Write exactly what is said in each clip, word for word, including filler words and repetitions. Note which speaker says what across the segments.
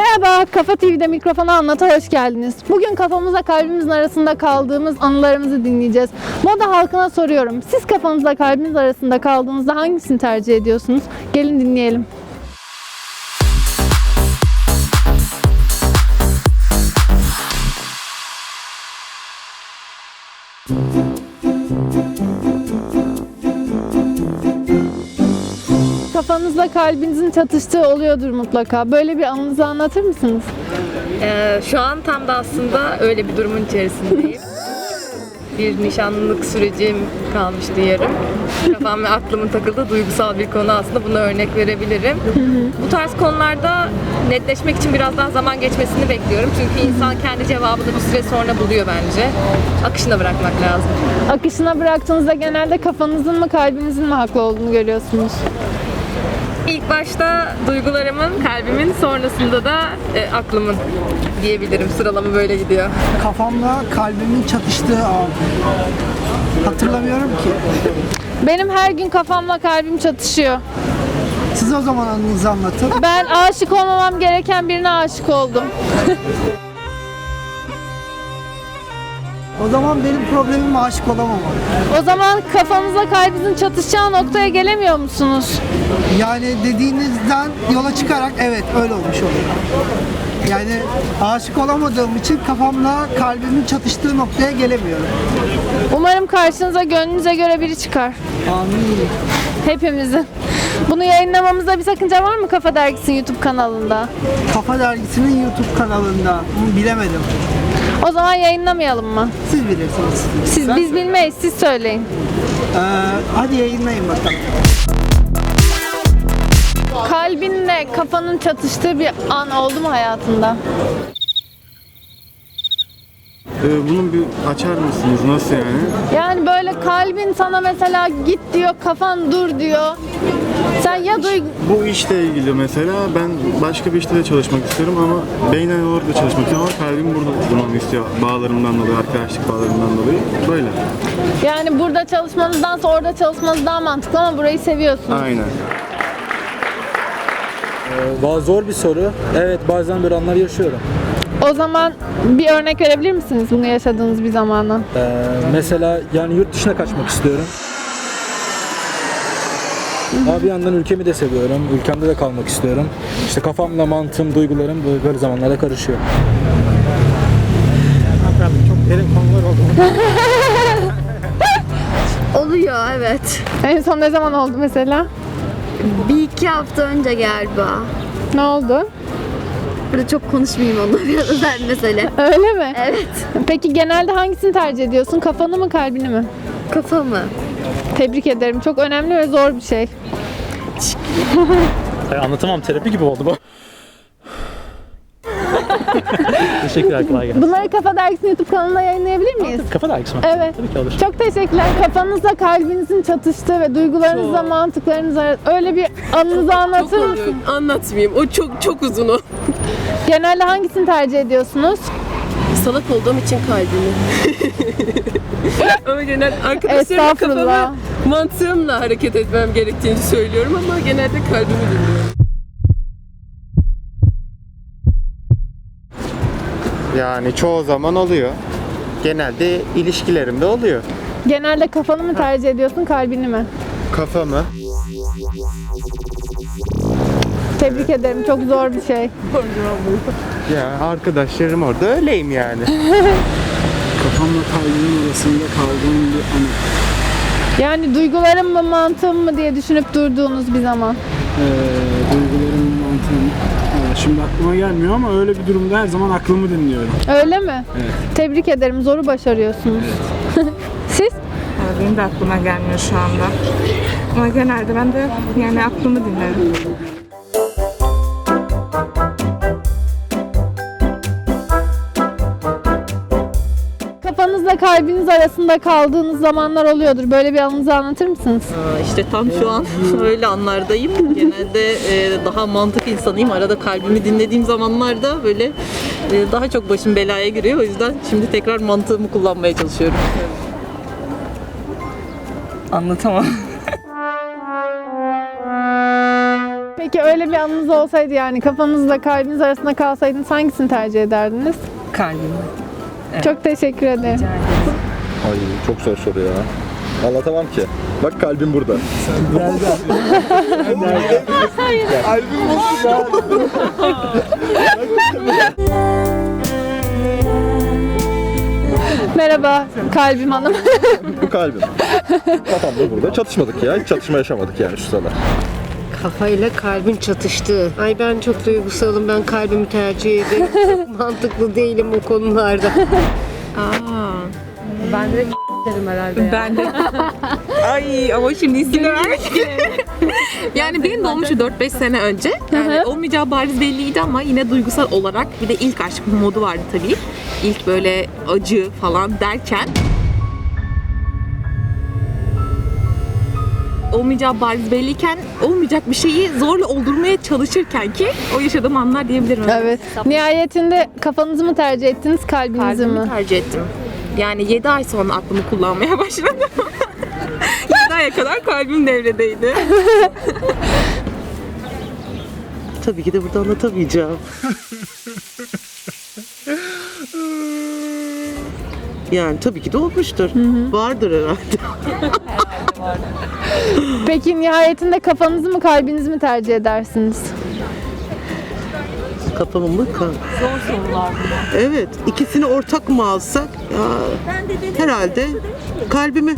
Speaker 1: Merhaba, Kafa T V'de mikrofona anlata hoş geldiniz. Bugün kafamızla kalbimizin arasında kaldığımız anılarımızı dinleyeceğiz. Moda halkına soruyorum. Siz kafanızla kalbiniz arasında kaldığınızda hangisini tercih ediyorsunuz? Gelin dinleyelim. Kafanızla kalbinizin çatıştığı oluyordur mutlaka. Böyle bir anınızı anlatır mısınız?
Speaker 2: Ee, şu an tam da aslında öyle bir durumun içerisindeyim. Bir nişanlılık sürecim kalmıştı yarım. Kafam ve aklımın takıldığı duygusal bir konu aslında, buna örnek verebilirim. Bu tarz konularda netleşmek için biraz daha zaman geçmesini bekliyorum. Çünkü insan kendi cevabını bir süre sonra buluyor bence. Akışına bırakmak lazım.
Speaker 1: Akışına bıraktığınızda genelde kafanızın mı kalbinizin mi haklı olduğunu görüyorsunuz?
Speaker 2: İlk başta duygularımın, kalbimin, sonrasında da e, aklımın diyebilirim. Sıralama böyle gidiyor.
Speaker 3: Kafamla kalbimin çatıştığı an. Hatırlamıyorum ki.
Speaker 1: Benim her gün kafamla kalbim çatışıyor.
Speaker 3: Siz o zaman anınızı anlatın.
Speaker 1: Ben aşık olmamam gereken birine aşık oldum.
Speaker 3: O zaman benim problemim aşık olamamak.
Speaker 1: O zaman kafanızla kalbinizin çatışacağı noktaya gelemiyor musunuz?
Speaker 3: Yani dediğinizden yola çıkarak evet öyle olmuş oluyor. Yani aşık olamadığım için kafamla kalbimin çatıştığı noktaya gelemiyorum.
Speaker 1: Umarım karşınıza gönlünüze göre biri çıkar.
Speaker 3: Amin.
Speaker 1: Hepimizin. Bunu yayınlamamızda bir sakınca var mı Kafa Dergisi'nin YouTube kanalında?
Speaker 3: Kafa Dergisi'nin YouTube kanalında. Hı, bilemedim.
Speaker 1: O zaman yayınlamayalım mı?
Speaker 3: Siz bilirsiniz.
Speaker 1: Siz, biz bilmeyiz, siz söyleyin.
Speaker 3: Ee, hadi yayınlayın bakalım.
Speaker 1: Kalbinle kafanın çatıştığı bir an oldu mu hayatında?
Speaker 4: Ee, bunu bir açar mısınız? Nasıl yani?
Speaker 1: Yani böyle kalbin sana mesela git diyor, kafan dur diyor. Sen ya duy...
Speaker 4: Bu işle ilgili mesela ben başka bir işte de çalışmak istiyorum ama beynen olarak da çalışmak istiyorum ama kalbim burada durmamı istiyor. Bağlarımdan dolayı, arkadaşlık bağlarımdan dolayı. Böyle.
Speaker 1: Yani burada çalışmanızdansa orada çalışmanız daha mantıklı ama burayı seviyorsunuz.
Speaker 4: Aynen.
Speaker 5: Ee, zor bir soru. Evet, bazen böyle anlar yaşıyorum.
Speaker 1: O zaman bir örnek verebilir misiniz bunu yaşadığınız bir zamandan?
Speaker 5: Ee, mesela yani yurt dışına kaçmak istiyorum. Ama bir yandan ülkemi de seviyorum. Ülkemde de kalmak istiyorum. İşte kafamla mantığım, duygularım böyle, böyle zamanlarda karışıyor.
Speaker 3: Çok derin konular oldu.
Speaker 6: Oluyor, evet.
Speaker 1: En son ne zaman oldu mesela?
Speaker 6: Bir iki hafta önce galiba.
Speaker 1: Ne oldu?
Speaker 6: Burada çok konuşmayayım onunla, biraz özel mesele.
Speaker 1: Öyle mi?
Speaker 6: Evet.
Speaker 1: Peki genelde hangisini tercih ediyorsun? Kafanı mı kalbini mi?
Speaker 6: Kafamı.
Speaker 1: Tebrik ederim. Çok önemli ve zor bir şey.
Speaker 7: Anlatamam, terapi gibi oldu bu. Teşekkürler, kolay gelsin.
Speaker 1: Bunları Kafa Dergisi'nin YouTube kanalında yayınlayabilir miyiz?
Speaker 7: Kafa dergisi mi?
Speaker 1: Evet.
Speaker 7: Tabii ki olur.
Speaker 1: Çok teşekkürler. Kafanızla kalbinizin çatıştığı ve duygularınızla mantıklarınız arasında öyle bir anınızı anlatır mısınız?
Speaker 2: Anlatmayayım. O çok çok uzun o.
Speaker 1: Genelde hangisini tercih ediyorsunuz?
Speaker 2: Salak olduğum için kalbimi. Ama genel arkadaşlarımla
Speaker 1: Estağfurullah.
Speaker 2: kafamı mantığımla hareket etmem gerektiğini söylüyorum ama genelde kalbimi dinliyorum.
Speaker 8: Yani çoğu zaman oluyor. Genelde ilişkilerimde oluyor.
Speaker 1: Genelde kafanı mı tercih ediyorsun, kalbini mi?
Speaker 8: Kafamı.
Speaker 1: Tebrik ederim. Çok zor bir şey.
Speaker 8: Ya arkadaşlarım orada öyleyim yani.
Speaker 3: Kafamla kalbimin arasında kaldığım bir anı.
Speaker 1: Yani duygularım mı, mantığım mı diye düşünüp durduğunuz bir zaman.
Speaker 9: Ee, duygularım, mantığım. Evet, şimdi aklıma gelmiyor ama öyle bir durumda her zaman aklımı dinliyorum.
Speaker 1: Öyle mi?
Speaker 9: Evet.
Speaker 1: Tebrik ederim. Zoru başarıyorsunuz. Siz?
Speaker 10: Benim de aklıma gelmiyor şu anda. Ama genelde ben de yani aklımı dinlerim.
Speaker 1: Kafanızla kalbiniz arasında kaldığınız zamanlar oluyordur. Böyle bir anınızı anlatır mısınız?
Speaker 2: Aa, işte tam şu an öyle anlardayım. Genelde e, daha mantık insanıyım. Arada kalbimi dinlediğim zamanlarda böyle e, daha çok başım belaya giriyor. O yüzden şimdi tekrar mantığımı kullanmaya çalışıyorum. Anlatamam.
Speaker 1: Peki öyle bir anınız olsaydı, yani kafanızla kalbiniz arasında kalsaydınız hangisini tercih ederdiniz?
Speaker 2: Kalbim.
Speaker 1: Çok teşekkür ederim.
Speaker 11: Ay çok zor soru ya. Anlatamam ki. Bak kalbim burada.
Speaker 1: Merhaba Kalbim Hanım.
Speaker 11: Bu kalbim. Kafam da burada. Çatışmadık ya. Hiç çatışma yaşamadık yani şu sıralar.
Speaker 12: Kafayla kalbin çatıştı. Ay ben çok duygusalım, ben kalbimi tercih ederim. Çok mantıklı değilim o konularda.
Speaker 2: Aa, ben de derim herhalde ya.
Speaker 10: Ben de. Ay ama şimdi isim vermek. Yani benim de olmuştu dört beş sene önce. Yani olmayacağı bariz belliydi ama yine duygusal olarak bir de ilk aşk modu vardı tabii. İlk böyle acı falan derken olmayacağı bariz belliyken olmayacak bir şeyi zorla oldurmaya çalışırken ki o yaşadığım anlar diyebilirim.
Speaker 1: Evet. Nihayetinde kafanızı mı tercih ettiniz, kalbinizi
Speaker 10: Kalbimi
Speaker 1: mi?
Speaker 10: tercih ettim. Yani yedi ay sonra aklımı kullanmaya başladım. yedi aya kadar kalbim devredeydi.
Speaker 12: Tabii ki de burada anlatamayacağım. Yani tabii ki de olmuştur. Vardır herhalde.
Speaker 1: Peki nihayetinde kafanızı mı, kalbinizi mi tercih edersiniz?
Speaker 12: Kafamı mı? Zor sorular. Evet. ikisini ortak mı alsak? Ya, herhalde kalbimi.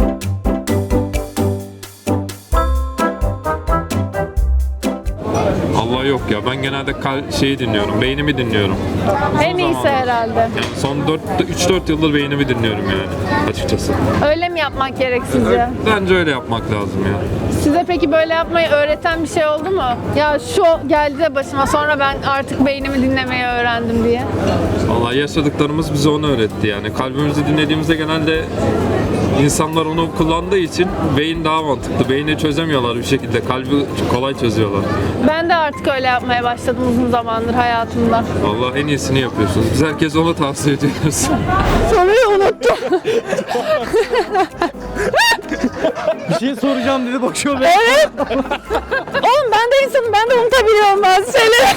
Speaker 13: Allah yok ya. Ben genelde kal şeyi dinliyorum. Beynimi dinliyorum.
Speaker 1: En iyisi herhalde.
Speaker 13: Yani son üç dört yıldır beynimi dinliyorum yani açıkçası.
Speaker 1: Öyle mi yapmak gerek sizce?
Speaker 13: Bence öyle yapmak lazım ya.
Speaker 1: Size peki böyle yapmayı öğreten bir şey oldu mu? Ya şu geldi de başıma, sonra ben artık beynimi dinlemeyi öğrendim diye.
Speaker 13: Vallahi yaşadıklarımız bize onu öğretti yani. Kalbimizi dinlediğimizde genelde insanlar onu kullandığı için beyin daha mantıklı. Beyni çözemiyorlar bir şekilde. Kalbi kolay çözüyorlar.
Speaker 1: Ben de artık öyle yapmaya başladım uzun zamandır hayatımda.
Speaker 13: Vallahi en iyisini yapıyorsunuz. Biz herkese onu tavsiye ediyoruz.
Speaker 1: Soruyu unuttum.
Speaker 7: Bir şey soracağım dedi bakıyor be.
Speaker 1: Evet. Oğlum ben de insanım, ben de unutabiliyorum bazı şeyleri.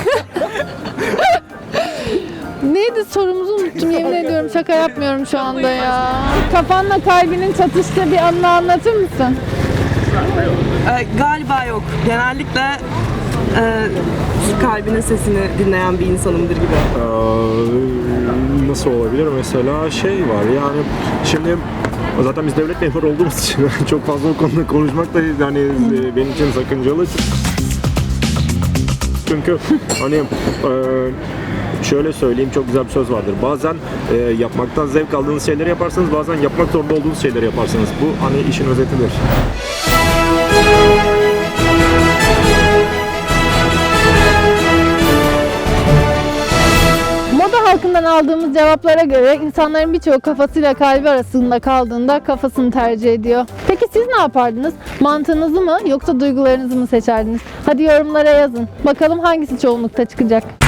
Speaker 1: Neydi, sorumuzu unuttum, yemin ediyorum, şaka yapmıyorum şu anda ya. Kafanla kalbinin çatıştığı bir anını anlatır mısın?
Speaker 12: Ee, galiba yok. Genellikle e, kalbinin sesini dinleyen bir insanımdır gibi.
Speaker 11: Ee, nasıl olabilir? Mesela şey var yani şimdi zaten biz devlet memuru olduğumuz için çok fazla o konuda konuşmak da yani benim için sakıncalı. Çünkü hani e, şöyle söyleyeyim, çok güzel bir söz vardır. Bazen e, yapmaktan zevk aldığınız şeyleri yaparsınız, bazen yapmak zorunda olduğunuz şeyleri yaparsınız. Bu hani işin özetidir.
Speaker 1: Moda halkından aldığımız cevaplara göre insanların birçoğu kafasıyla kalbi arasında kaldığında kafasını tercih ediyor. Peki siz ne yapardınız? Mantığınızı mı yoksa duygularınızı mı seçerdiniz? Hadi yorumlara yazın. Bakalım hangisi çoğunlukta çıkacak.